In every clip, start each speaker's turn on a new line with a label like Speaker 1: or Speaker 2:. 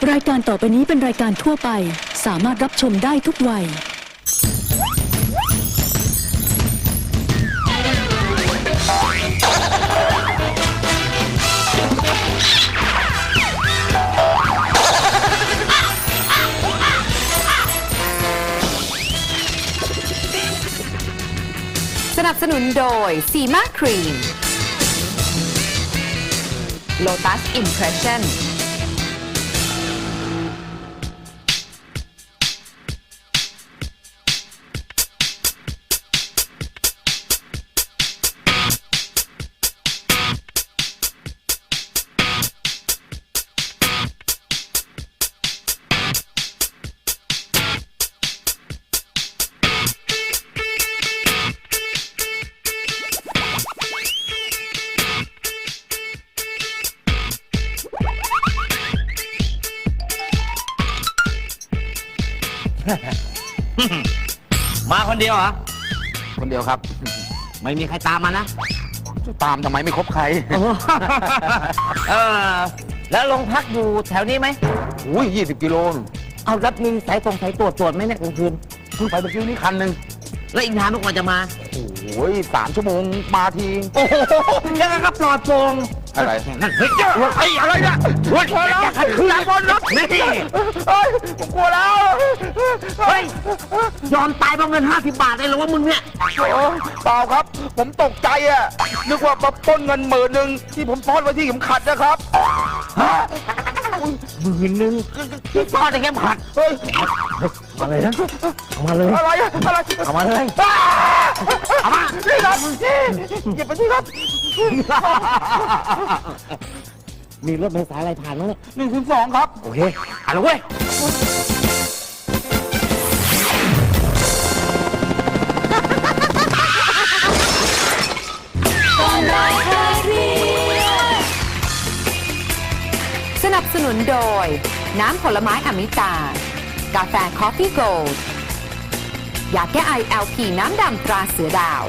Speaker 1: รายการต่อไปนี้เป็นรายการทั่วไปสามารถรับชมได้ทุกวัย
Speaker 2: สนับสนุนโดยซีมาครีม Lotus Impression
Speaker 3: มาคนเดียวเหรอ
Speaker 4: คนเดียวครับ
Speaker 3: ไม่มีใครตามมานะ
Speaker 4: ตามทำไมไม่คบใคร
Speaker 3: เออ แล้วลงพักอยู่แถวนี้ไหม
Speaker 4: อุ้ย20 กิโล
Speaker 3: เอารับมีสายตรวจไหมเนี่ยกลางคืน
Speaker 4: เพิ่งไปเมื่อกี้นี้คันหนึ่ง
Speaker 3: แล้วอีกนานเมื่อก่อนจะมา
Speaker 4: โอ้ย3 ชั่วโมงมาที
Speaker 3: โอ้โหยังไงก็ปลอดโปร่ง
Speaker 4: อะไร
Speaker 3: นั่นเฮ้ยไอ้อะไรเนี่ยเฮ้ยอย่าขัดขืนบนรถนี่
Speaker 4: เฮ้ยผมกลัวแล้ว
Speaker 3: เฮ้ยยอมตายเพราะเงิน50 บาทได้หรอวะมึงเนี่ย
Speaker 4: โอ้เปล่าครับ ผมตกใจอ่ะนึกว่ามาปล้นเงิน10,000ที่ผมซ่อนไว้ที่เข็มขัดนะครับ
Speaker 3: 10,000ที่ซ่อนในเข็มขัด
Speaker 4: เฮ้ย
Speaker 3: มาเลยนะเอามาเลย
Speaker 4: อะไรอะอะไร
Speaker 3: เอามาเลย
Speaker 4: เอามานี่ครับหยิบไปที่ครับ
Speaker 3: มีรถเมล์สายอะไรผ่านมั้งเนี่ย
Speaker 4: 102ครับ
Speaker 3: โอเคอ่านแล้วเว้ย
Speaker 2: สนับสนุนโดยน้ำผลไม้อมิตา กาแฟคอฟฟี่โกลด์ยาแก้ไอ LP น้ำดำตราเสือดาว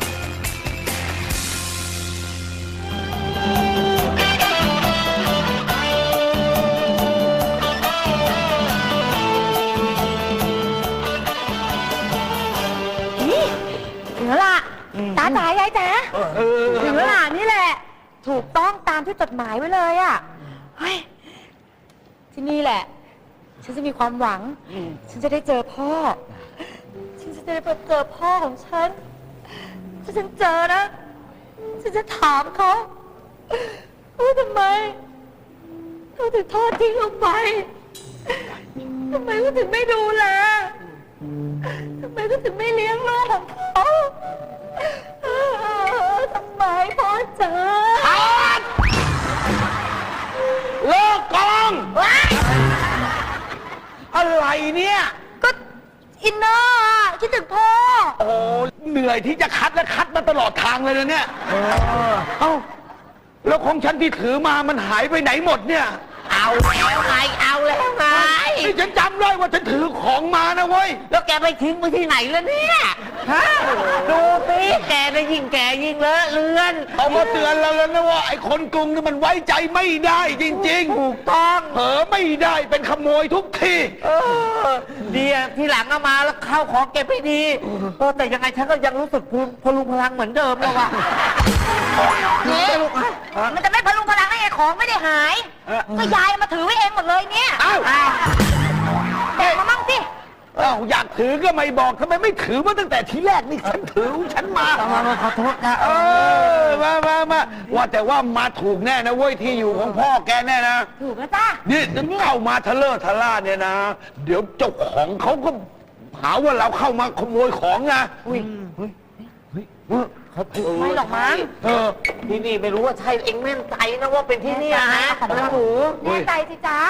Speaker 5: ถึงแล้วล่ะตาจ๋ายายจ๋าถึงแล้วล่ะนี่แหละ ถูกต้องตามที่จดหมายไว้เลยอ่ะเฮ้ยที่นี่แหละ ฉันจะมีความหวัง ฉันจะได้เจอพ่อ ฉันจะได้เจอพ่อของฉัน ถ้าฉันเจอนะ ฉันจะถามเขาว่าทำไมเขาถึงทอดทิ้งเราไปทำไมเขาถึงไม่ดูแลทำไมเขาถึงไม่เลี้ยงลูกของเขาทำไมพ่อจ๋า
Speaker 4: เลิกกองอะไรเนี่ย
Speaker 5: ก็อินเนอร์อะคิดถึงพ่อ
Speaker 4: โอ้เหนื่อยที่จะคัดและคัดมาตลอดทางเลยนะเนี่ยเอ้าแล้วของฉันที่ถือมามันหายไปไหนหมดเนี่ย
Speaker 3: เอาแล้วไงเอาแล้วไง
Speaker 4: นี่ฉันจำได้ว่าฉันถือของมานะเว้ย
Speaker 3: แล้วแกไปทิ้งไว้ที่ไหนแล้วเนี่ยฮะดูสิแกได้ยิ่งแกยิ่งเลอะเลือน
Speaker 4: เอามาเตือนเราแล้วนะว่าไอ้คนกรุงนี่มันไว้ใจไม่ได้จริงๆ
Speaker 3: ถูกต้อง
Speaker 4: เผลอไม่ได้เป็นขโมยทุกที
Speaker 3: เดียทีหลังเอามาแล้วเข้าของเก็บให้ดีแต่ยังไงฉันก็ยังรู้สึกพลุงพลังเหมือนเดิมแล้วว่ะ
Speaker 5: นี่มันจะไม่พลุงพลังได้ไงของไม่ได้หาย ก็ยายเอามาถือไว้เองหมดเลยเนี่ย
Speaker 4: อ้าว
Speaker 5: แกะมามั่งสิ
Speaker 4: อ้าวอยากถือก็ไม่บอกทำไมไม่ถือมาตั้งแต่ทีแรกนี่ฉันถือฉันมา
Speaker 3: ขอโทษนะ
Speaker 4: มาว่าแต่ว่ามาถูกแน่นะเว้ยที่อยู่ของพ่อแกแน่นะ
Speaker 5: ถูกแล้วจ้า
Speaker 4: นี่เข้ามาทะเลอะทะล่าเนี่ยนะ เดี๋ยวเจ้าของเขาก็หาว่าเราเข้ามาขโมยของนะ
Speaker 3: เขาถือ
Speaker 5: ไม่หรอกมั้ง
Speaker 3: ที่นี่ไม่รู้ว่าใช่เองแม่นใจนะว่าเป็นที่นี่นะ
Speaker 5: ของเราแน่ใจสิจ้า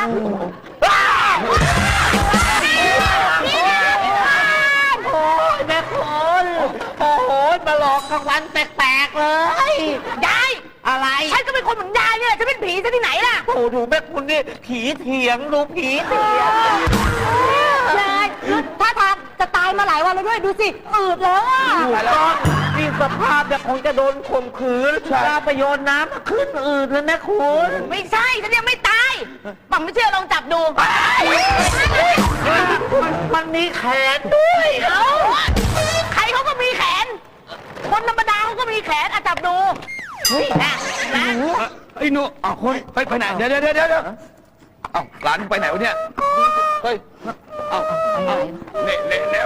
Speaker 3: โอ้ยแม่คุณโอ้โหมาหลอกกลางวันแปลกๆเลย
Speaker 5: ยาย
Speaker 3: อะไร
Speaker 5: ฉันก็เป็นคนเหมือนยายเนี่ยจะเป็นผีซะที่ไหนล่ะ
Speaker 3: โอ้ดูแม่คุณนี่ผีเถียงดูผีเถียง
Speaker 5: ยายถ้าทางจะตายมาหลายวันแล้วด้วยดูสิอืดแล้วอ่ะ
Speaker 3: ถูกต้องนี่สภาพเนี่ยคงจะโดนข่มขืนลาไปโยนน้ำขึ้นอืดเลยแม่คุณ
Speaker 5: ไม่ใช่ฉันยังไม่ตายปั๊มไม่เชื่อลองจับดู
Speaker 3: มันมีแขนด้วย
Speaker 5: เอ้าใครเขาก็มีแขน คนธรรมดาเขาก็มีแขนอ่ะจับดูนะนะ
Speaker 4: ไอ้หนูเอาคนไปไหนเดี๋ยวเอาหลานไปไหนวะเนี่ยเฮ้ยเอาเนี่ย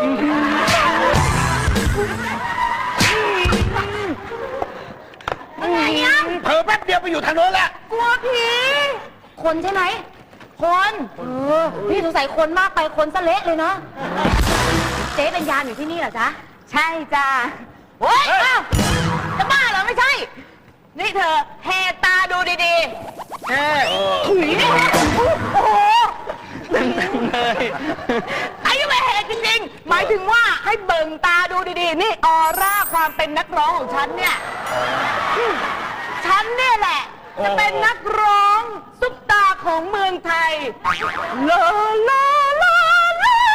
Speaker 5: อะไรอ่ะ
Speaker 4: เผลอแป๊บเดียวไปอยู่ทางโน้นแล้ว
Speaker 5: กลัวผีคนใช่ไหมคนพี่สงสัยคนมากไปคนซะเละเลยเนาะเจ๊เป็นยามอยู่ที่นี่เหรอจ๊ะใช่จ้าโอ๊ยอ้าวจะบ้าเหรอไม่ใช่ นี่เธอแหกตาดูดีๆถุยโอ้โหเลยไอ้ไม่แหกจริงๆหมายถึงว่าให้เบิ่งตาดูดีๆนี่ออร่าความเป็นนักร้องของฉันเนี่ยฉันเนี่ยแหละจะเป็นนักร้องซุปตาของเมืองไทยลาลาลาลา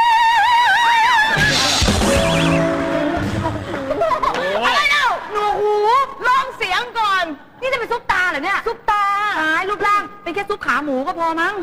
Speaker 5: อะไรเล่าหนูหูลองเสียงก่อนนี่จะเป็นซุปตาเหรอเนี่ยซุปตาหายรูปร่างเป็นแค่ซุปขาหมูก็พอมั้ง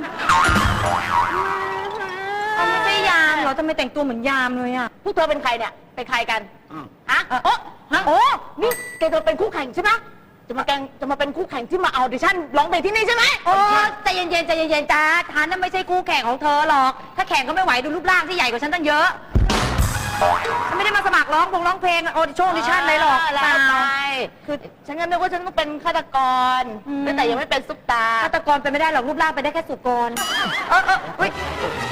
Speaker 5: ไม่ใช่ยามเหรอทำไมแต่งตัวเหมือนยามเลยอ่ะพวกเธอเป็นใครเนี่ยเป็นใครกันฮะโอ้นี่แกจะเป็นคู่แข่งใช่ไหมจะมาเป็นคู่แข่งที่มาเอาดิชั่นร้องเพลงที่นี่ใช่ไหมโอ้ใจเย็นๆใจเย็นๆจ้าฉันน่ะไม่ใช่คู่แข่งของเธอหรอกถ้าแข่งก็ไม่ไหวดูรูปร่างที่ใหญ่กว่าฉันตั้งเยอะฉันไม่ได้มาสมัครร้องเพลงออดิชั่นเลยหรอกเปล่าคือฉันก็นึกว่าฉันต้องเป็นฆาตกรแต่ยังไม่เป็นซุปตาฆาตกรเป็นไม่ได้หรอกรูปร่างเป็นได้แค่สุกรเฮ้ย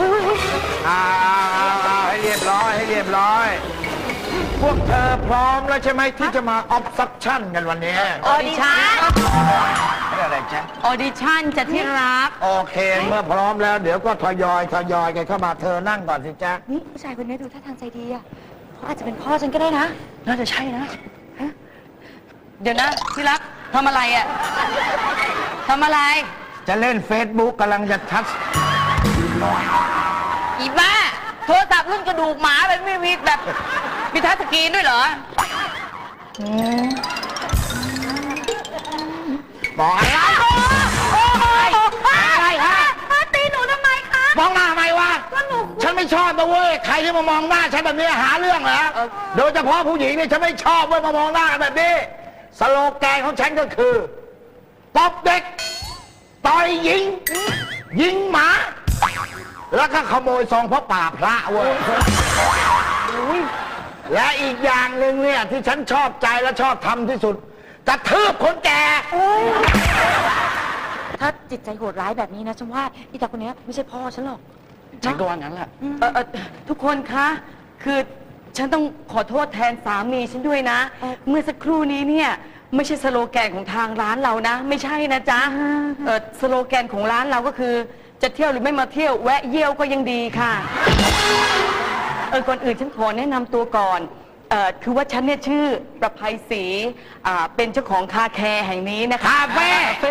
Speaker 4: ให้เรียบร้อยพวกเธอพร้อมแล้วใช่ไหมที่จะมาออฟซักชั่นกันวันนี้
Speaker 5: ออดิชั่น
Speaker 4: นี่อะไรจ๊ะ
Speaker 5: ออดิชั่นจะที่รัก
Speaker 4: โอเคเมื่อพร้อมแล้วเดี๋ยวก็ทยอยกันเข้ามาเธอนั่งก่อนสิจ๊ะ
Speaker 5: นี่ผู้ชายคนนี้ดูท่าทางใจดีอ่ะเขาอาจจะเป็นพ่อฉันก็ได้นะ น่าจะใช่นะเดี๋ยวนะที่รักทำอะไรอ่ะทำอะไร
Speaker 4: จะเล่น Facebook กำลังจะทัช
Speaker 5: อีบ้าโทรศัพท์รุ่นกระดูกหมาแบบไม่มีแบบมีทัชสกรีนด้วยเหรอ
Speaker 4: บอกอะไรอะไรฮะ
Speaker 5: ตีหนูทำไมคะ
Speaker 4: มองหน้าทำไมวะ
Speaker 5: ก็หนู
Speaker 4: ฉันไม่ชอบนะเว้ยใครที่มามองหน้าฉันแบบนี้หาเรื่องเหรอโดยเฉพาะผู้หญิงเนี่ยฉันไม่ชอบเว้ยมามองหน้ากันแบบนี้สโลแกนของฉันก็คือตบเด็กต่อยหญิงยิงหมา แล้วก็ขโมยซองพระป่าพระเว้ยและอีกอย่างหนึ่งเนี่ยที่ฉันชอบใจและชอบทำที่สุดกระทืบคนแก่
Speaker 5: ถ้าจิตใจโหดร้ายแบบนี้นะฉันว่าอีตาคนนี้ไม่ใช่พ่อฉันหรอก
Speaker 4: ฉันก็ว่างั้นแหละ
Speaker 6: ทุกคนคะ คือฉันต้องขอโทษแทนสามีฉันด้วยนะ เมื่อสักครู่นี้เนี่ยไม่ใช่สโลแกนของทางร้านเรานะ ไม่ใช่นะจ๊ะสโลแกนของร้านเราก็คือจะเที่ยวหรือไม่มาเที่ยวแวะเยี่ยวก็ยังดีค่ะ ก่อนอื่นฉันขอแนะนำตัวก่อนคือว่าฉันเนี่ยชื่อประภัยศรีเป็นเจ้าของคาแคร์แห่งนี้นะคะ
Speaker 4: คาเฟ่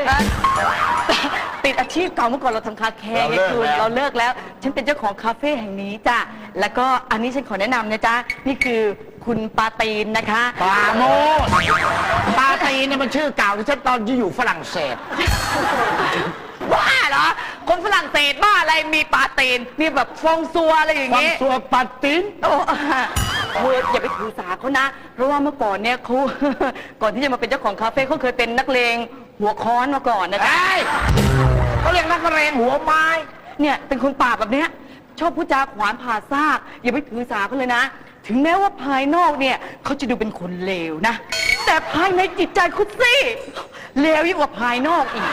Speaker 6: ติดอาชีพเก่าเมื่อก่อนเราทำคาแคร์ไงคุณเราเลิกแล้ว ฉันเป็นเจ้าของคาเฟ่แห่งนี้จ้ะแล้วก็อันนี้ฉันขอแนะนำนะจ๊ะนี่คือคุณปาตีนนะคะ
Speaker 4: ปาโมดปาตีเนี่ยมันชื่อเก่าที่ฉันตอนที่อยู่ฝรั่งเศส
Speaker 6: บ้าเหรอคนฝรั่งเศสบ้าอะไรมีปาตีนมีแบบฟองซัวอะไรอย่าง
Speaker 4: ฟัง
Speaker 6: งี้
Speaker 4: ตัวปาติน
Speaker 6: โอ้เธออย่าไปถือสาเขานะ เพราะว่าเมื่อก่อนเนี่ยเขา ก่อนที่จะมาเป็นเจ้าของคาเฟ่เขาเคยเป็นนักเลงหัวค้อนมาก่อนนะจ๊ะ
Speaker 4: เขาเรียกนักเรงหัวไม้
Speaker 6: เนี่ยเป็นคนป่าแบบเนี้ยชอบพูดจาขวานผ่าซากอย่าไปถือสาเขาเลยนะ ถึงแม้ว่าภายนอกเนี่ยเขาจะดูเป็นคนเลวนะ แต่ภายในจิตใจคุณสิเลวยิ่งกว่าภายนอกอีก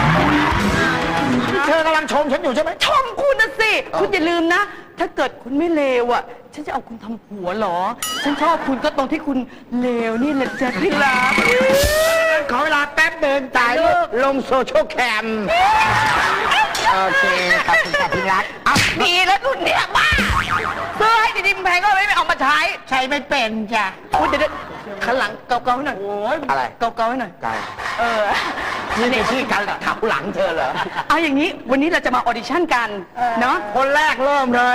Speaker 4: เธอกำลังชมฉันอยู่ใช่ไหม
Speaker 6: ชมคุณนะสิคุณอย่าลืมนะ ถ้าเกิดคุณไม่เลวอ่ะ ฉันจะเอาคุณทำผัวเหรอ ฉันชอบคุณก็ตรงที่คุณเลวนี่แหละจ้ะที่รัก
Speaker 4: ขอเวลาแป๊บเดินถ่ายรูปลงโซเชียลแคมโอเคขอบคุณค่ะที่รัก
Speaker 6: เอาดีแล้วคุณเนี่ยบ้าซื้อให้ดีๆแพงก็ไม่เอามาใช้
Speaker 4: ใช้ไม่เป็นจ้ะ
Speaker 6: คุณเดี๋ยวขันหลังเกาๆให้หน่อย
Speaker 4: อะไร
Speaker 6: เกาๆให้หน่อย
Speaker 4: ไก่
Speaker 6: นี่
Speaker 4: นี่ชื่อการขับหลังเธอเหรอ
Speaker 6: เอาอย่างนี้วันนี้เราจะมาออดิชั่นกันเนาะ
Speaker 4: คนแรกเริ่มเลย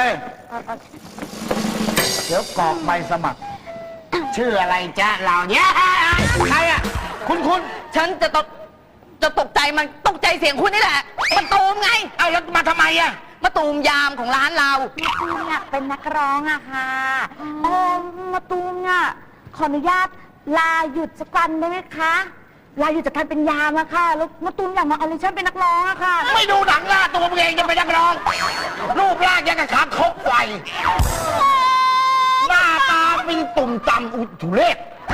Speaker 4: เดี๋ยวกรอกใบสมัคร ชื่ออะไรจ๊ะเราเนี่ยใครอ่ะ คุณ
Speaker 6: ฉันจะต้องจะตกใจมันตกใจเสียงคุณนี่แหละมาตูมไง
Speaker 4: เอ้าแล้วมาทำไมอะ
Speaker 6: มาตูมยามของร้านเรา
Speaker 5: ตูมเนี่ยเป็นนักร้องอะค่ะมาตูมเนี่ยขออนุญาตลาหยุดสักวันได้ไหมคะลาหยุดจากการเป็นยามอะค่ะแล้วมาตูมอยากมาออดิชั่นเป็นนักร้องอะค่ะ
Speaker 4: ไม่ดูหนังหน้าตัวมึงเองจะเป็นนักร้องรูปร่างยังกับขาคกไฟหน้าตาเป็นตุ่มต่ำอุทุเรศ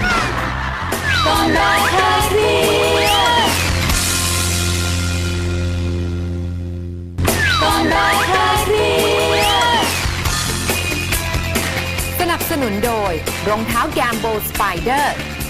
Speaker 2: สนับสนุนโดยรองเท้าแกมโบสไปเดอร์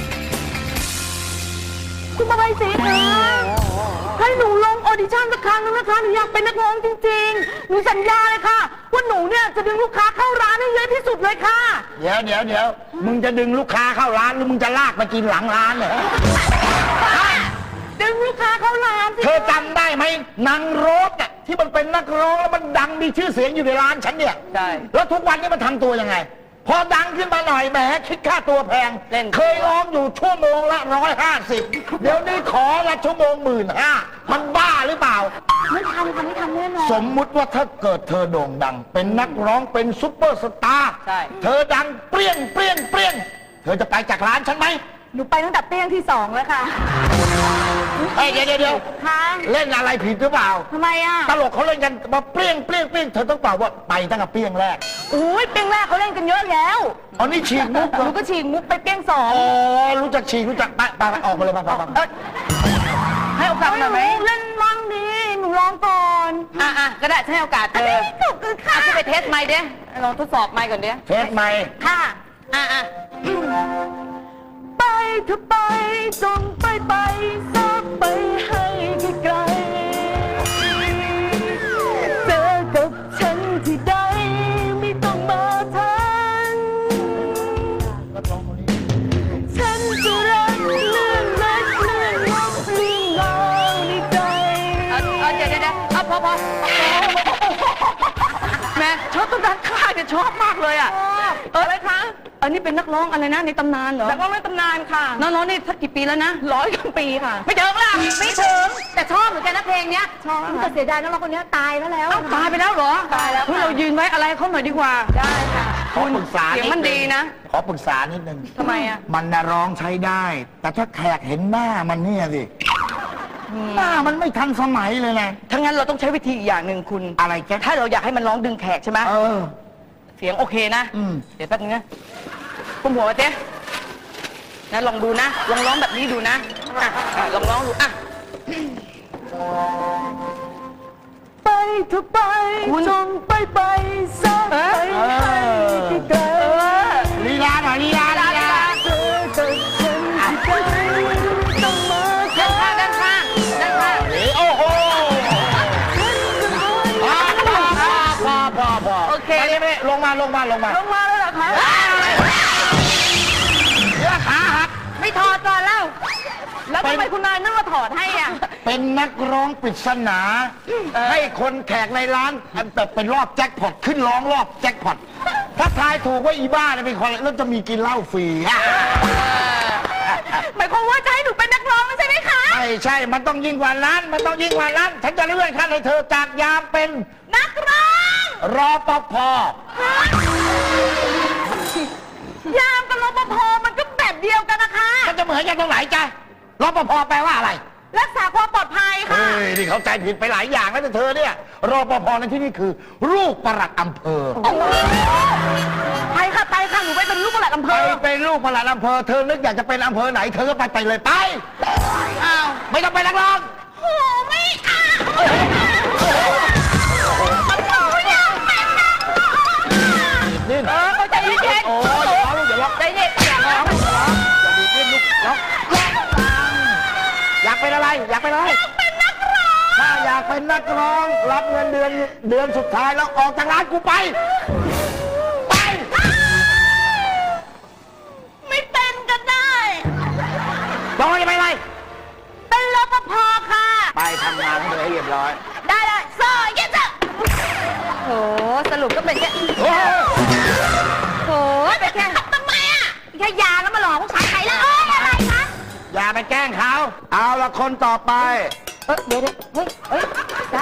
Speaker 5: คุณมาใบสีคะให้หนูลงออดิชั่นสักครั้งนึงนะคะหนูอยากเป็นนักร้องจริงๆหนูสัญญาเลยค่ะว่าหนูเนี่ยจะดึงลูกค้าเข้าร้านให้เยอะที่สุดเลยค่ะ
Speaker 4: เดี๋ยวมึงจะดึงลูกค้าเข้าร้านหรือมึงจะลากไปกินหลังร้านเหรอ
Speaker 5: ดึงลูกค้าเข้าร้านสิ
Speaker 4: เธอจำได้ไหมนางโรสอะที่มันเป็นนักร้องแล้วมันดังมีชื่อเสียงอยู่ในร้านฉันเนี่ย
Speaker 6: ใช่
Speaker 4: แล้วทุกวันนี้มันทำตัวยังไง พอดังขึ้นมาหน่อยแหมคิดค่าตัวแพง
Speaker 6: เล่น
Speaker 4: เคยร้องอยู่ชั่วโมงละ150เดี๋ยวนี้ขอละชั่วโมง15,000มันบ้าหรือเปล่า
Speaker 5: ไม่ทำค่ะไม่ทำแน่นอน
Speaker 4: สมมุติว่าถ้าเกิดเธอโด่งดัง เป็นนักร้องเป็นซุปเปอร์สตาร์
Speaker 6: ใช่
Speaker 4: เธอดังเปรี้ยงเธอจะไปจากร้านฉันไหม
Speaker 5: หนูไปตั้งแต่เปี้ยงที่2แล้วค่ะ
Speaker 4: เฮ้ยเดี๋ยว
Speaker 5: ค่ะ
Speaker 4: เล่นอะไรผิดหรือเปล่า
Speaker 5: ทำไมอ่ะ
Speaker 4: ตลกเขาเล่นกันมาเปรี้ยงเธอต้องตอบว่าไปตั้งแต่เปรี้ยงแรก
Speaker 5: อุ้ยเปี้ยงแรกเขาเล่นกันเยอะแล้ว
Speaker 4: อ๋อนี่ฉีกมุกเหร
Speaker 5: ห
Speaker 4: อ
Speaker 5: นูก็ฉีกมุกไปเปี้ยง2
Speaker 4: อ๋อรู้จักฉีกรู้จักไปออกมาเลยไป
Speaker 6: ให้โอกาสหน่อยไหม
Speaker 5: เล่นมั่งดิหนูร้องก่อน
Speaker 6: อ่ะก็ได้ให้โอกาสเธอ
Speaker 5: ขอบคุณค่ะ
Speaker 6: จะไปเทสไมค์เด้ลองทดสอบไมค์ก่อนเด้
Speaker 4: เทสไหม
Speaker 5: ค่ะ
Speaker 6: อ่ะ
Speaker 5: ไปเธอไปจงไปสักไปให้ไกลเจอกับฉันที่ใดไม่ต้องมาทันฉันจะรักเลื่อนเล็กเลื่อนลบเลื่อนลางในใจ
Speaker 6: เดี๋ยวพอแม่ชอบต้นด้านข้างเนี่ยชอบมากเลยอ่ะอะไรคะอันนี้เป็นนักร้องอะไรนะในตำนานเหรอ
Speaker 5: นักร้องในตำนานค่ะ
Speaker 6: นักร้องนี่สักกี่ปีแล้วนะ
Speaker 5: 100 กว่าปีค่ะ
Speaker 6: ไม่ถึงล่ะ
Speaker 5: ไม่ถึงแต่ชอบเหมือนกันนะเพลงเนี้ยชอบแต่เสียดายนักร้องคนนี้ตายแล้ว
Speaker 6: ตายไปแล้วเหรอ
Speaker 5: ตายแล้วค่ะ
Speaker 6: เฮ้เรายืนไว้อะไรเขาหน่อยดีกว่า
Speaker 5: ได้ค่ะ
Speaker 4: ขอปรึกษา
Speaker 6: เสียงมันดีนะ
Speaker 4: ขอปรึกษานิดนึง
Speaker 6: ทำไมอ่ะ
Speaker 4: มันน่ะร้องใช้ได้ แต่ถ้าแขกเห็นหน้ามันเนี่ยสิหน้ามันไม่ทันสมัยเลยนะ
Speaker 6: ถ้างั้นเราต้องใช้วิธีอีกอย่างหนึ่งคุณ
Speaker 4: อะไรแก
Speaker 6: ถ้าเราอยากให้มันร้องดึงแขกใช่ไหม
Speaker 4: เออ
Speaker 6: เสียงโอเคนะ เดี๋ยวแป๊บนึงนะกุมหัวไว้เจ๊นะลองดูนะ ลองร้องแบบนี้ดูนะลองร้องดูอ่ะ
Speaker 5: ไปเธอไป
Speaker 6: คุณ
Speaker 5: จงไปสักไปให้ไกล
Speaker 4: ลีลาหน่อยลีลา
Speaker 5: เจอกับฉันที่ใดต้องมา
Speaker 6: ด้านข้าง
Speaker 4: โอ้โหพอ
Speaker 6: โอเค
Speaker 4: ไม่ลงมา
Speaker 5: ลงมาเลยเหรอคะ
Speaker 4: เสื้อขาหัก
Speaker 5: ไม่ถอดก่อนแล้ว แล้วทำไมคุณนายนั่งมาถอดให้อ่ะ
Speaker 4: เป็นนักร้องปริศนา ให้คนแขกในร้านแบบเป็นรอบแจ็คพอตขึ้นร้องรอบแจ็คพอตถ้าทายถูกว่าอีบ้าเนี่ยเป็นคนแล้วจะมีกินเหล้าฟรี
Speaker 5: หมายความว่าจะให้หนูเป็นนักร้องใช่ไหมคะ
Speaker 4: ใช่ มันต้องยิ่งกว่านั้น ฉันจะเลื่อนขั้นให้เธอจากยามเป็น
Speaker 5: นักร้อง
Speaker 4: รอปภ
Speaker 5: ยามกับรปภมันก็แบบเดียวกันนะคะ
Speaker 4: มันจะเหมือนกันตรงไหนจ๊ะรปภแปลว่าอะไร
Speaker 5: รักษาความปลอดภัยค่ะ
Speaker 4: เฮ้ยนี่เขาใจผิดไปหลายอย่างแล้วแต่เธอเนี่ยรปภในที่นี่คือลูกปลัดอำเภอ
Speaker 5: ไปค่ะหนูไปเป็นลูกปลัดอำเภ
Speaker 4: ไป
Speaker 5: อ
Speaker 4: เป็นลูกปลัดอำเภอเธอนึกอยากจะเป็นอำเภอไหนเธอก็ไปเลยไป
Speaker 6: อ้าว
Speaker 4: ไม่ต้องไปนักร้อง
Speaker 5: โอ้ไม่เอาหนูอยากเป็นนักร้อง
Speaker 4: นี่
Speaker 6: เขาใจเย็น
Speaker 4: โอ้ยเดี๋ยวร้อง
Speaker 6: ใจเย็นอย่าร้อง
Speaker 4: อย่าดีดิ้นลูกร้องอยากเป็นอะไรอยากเป็นอะไรถ้าอยากเป็นนักร้องรับเงินเดือนสุดท้ายแล้วออกจากร้านกูไป
Speaker 5: ไม่เป็นก็ได้
Speaker 4: บอกว่าจะไปอะไร
Speaker 5: เป็นรปภค่ะ
Speaker 4: ไปทำงานให้เธอให้เรียบร้อย
Speaker 5: ได้เลยซอเยสจ้ะ
Speaker 6: โหสรุปก็เป็นแค่
Speaker 4: โอ้
Speaker 5: โอ้ยเป็นแค่ทำไมอ่ะแค่ยาแล้วมาหลอกผู้ชายใครแล้วอะไรคะ
Speaker 4: อย่าไปแกล้งเขา เอาละคนต่อไป
Speaker 5: เดี๋ยวเฮ้ยตา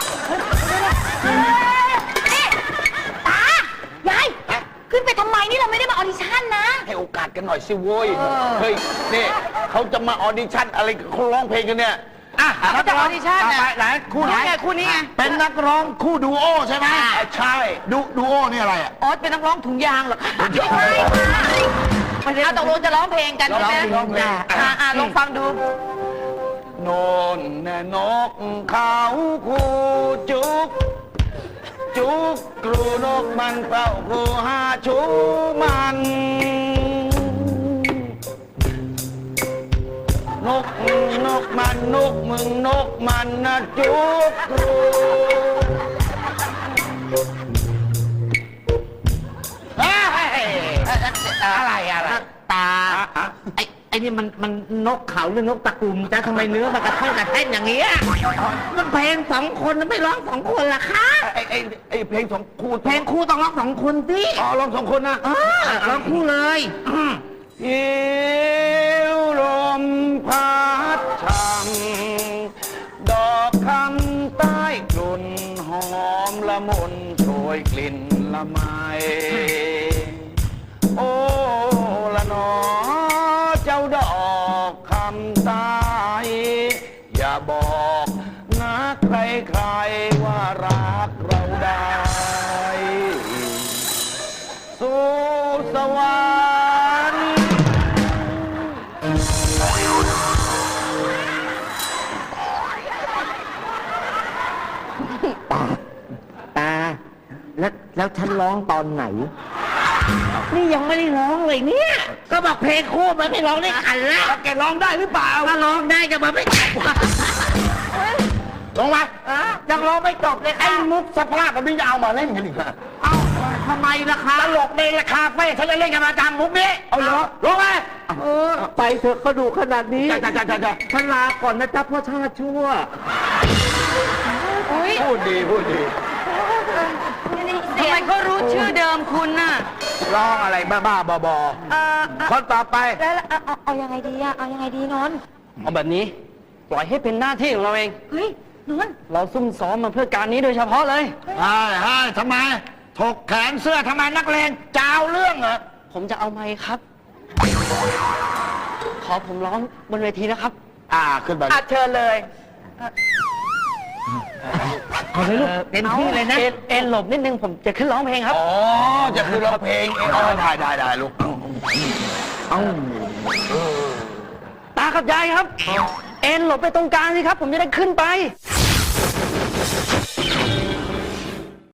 Speaker 5: นี่ตายายขึ้นไปทำไมนี่เราไม่ได้มาออดิชั่นนะ
Speaker 4: ให้โอกาสกันหน่อยสิโว้ย เฮ้ย นี่เขาจะมาออดิชั่นอะไรเขาร้องเพลงกันเนี่ย อ่ะ
Speaker 6: เขาจะออดิชั่น
Speaker 4: ต่อ
Speaker 6: น่ะ
Speaker 4: ไปไหนคู่ไหน
Speaker 6: คู่นี้ไง
Speaker 4: เป็นนักร้องคู่ดูโอใช่ไหมใช่ ดูโอนี่อะไรอ่ะ
Speaker 6: ออสเป็นนักร้องถุงยางเหรอคะตกลงจะร้องเพลงกันใช่ไหม
Speaker 4: ร้องเพลง
Speaker 6: ลองฟังดู
Speaker 4: โนนแน่นกเขาคู่จุก จุกกรูนกมันเป่าคู่หาชูมันนกมันนกมึงนกมันนะจุกกรูเฮ้ยอะไร
Speaker 3: ตา ไอ้นี่มันนกเขาหรือนกตะกุมจ้าทำไมเนื้อมันกระท่อนกระแท่นอย่างเงี้ยมันเพลงสองคนไม่ร้องสองคนล่ะคะ
Speaker 4: ไอ้เพลงสองคู่
Speaker 3: เพลงคู่ต้องร้องสองคนสิ
Speaker 4: อ๋อร้องสองคนนะ
Speaker 3: ร้องคู่เลยอืม
Speaker 4: หิวลมพัดช่ำดอกคำใต้กลุ่นหอมละมุนโชยกลิ่นละไมโอ้ละหนอเจ้าดอกคำใต้อย่าบอกนะใครๆว่ารักเราได้สู่สวรรค์
Speaker 3: ตาแล้วฉันร้องตอนไหน นี่ยังไม่ได้ร้องเลยเนี่ย ก็บอกเพลงคู่มันไม่ร้องได้กันแล้ว
Speaker 4: แกร้องได้หรือเปล่า
Speaker 3: ถ้าร้องได้จะมาไม่จบ
Speaker 4: ลงมา
Speaker 3: ยังร้องไม่จบเลย
Speaker 4: ไอ้
Speaker 3: ค่ะ
Speaker 4: มุกสภาพแบบนี้จะเอามาเล่นกันอีกเหรอ
Speaker 3: เอ้าทำไมล่ะคะ
Speaker 4: ตลกในราคาเฟ่ฉันจะเล่นกันประจำมุกนี้ เอาเหรอลงมา
Speaker 3: ไปเถอะก็ดูขนาดนี้
Speaker 4: จ้า
Speaker 3: ฉันลาก่อนนะจ๊ะพ่อชาติชั่ว
Speaker 4: พูดดี
Speaker 6: ทำไมเขารู้ชื่อเดิมคุณน่ะ
Speaker 4: ร้องอะไรบ้าๆบอๆคนต่อไป
Speaker 5: แล้วเอายังไงดีอะเอายังไงดีนนท์
Speaker 6: เอาแบบนี้ ปล่อยให้เป็นหน้าที่ของเราเอง
Speaker 5: เฮ้ยนนท์
Speaker 6: เราซุ่มซ้อมมาเพื่อการนี้โดยเฉพาะเลย
Speaker 4: เฮ้ยทำไม ถกแขนเสื้อทำไมนักเลงจ้าวเรื่องเหรอ
Speaker 6: ผมจะเอาไมค์ครับ ขอผมร้องบนเวทีนะครับ
Speaker 4: ขึ้นไป
Speaker 6: เชิญเลย
Speaker 3: เอาเลยลูกเต็มที่เลยนะ
Speaker 6: เอ็นหลบนิดนึงผมจะขึ้นร้องเพลงครับ
Speaker 4: อ๋อ จะคือร้องเพลงเองได้ลูก
Speaker 6: ตากับยายครับ เอ็นหลบไปตรงกลางสิครับ ผมจะได้ขึ้นไป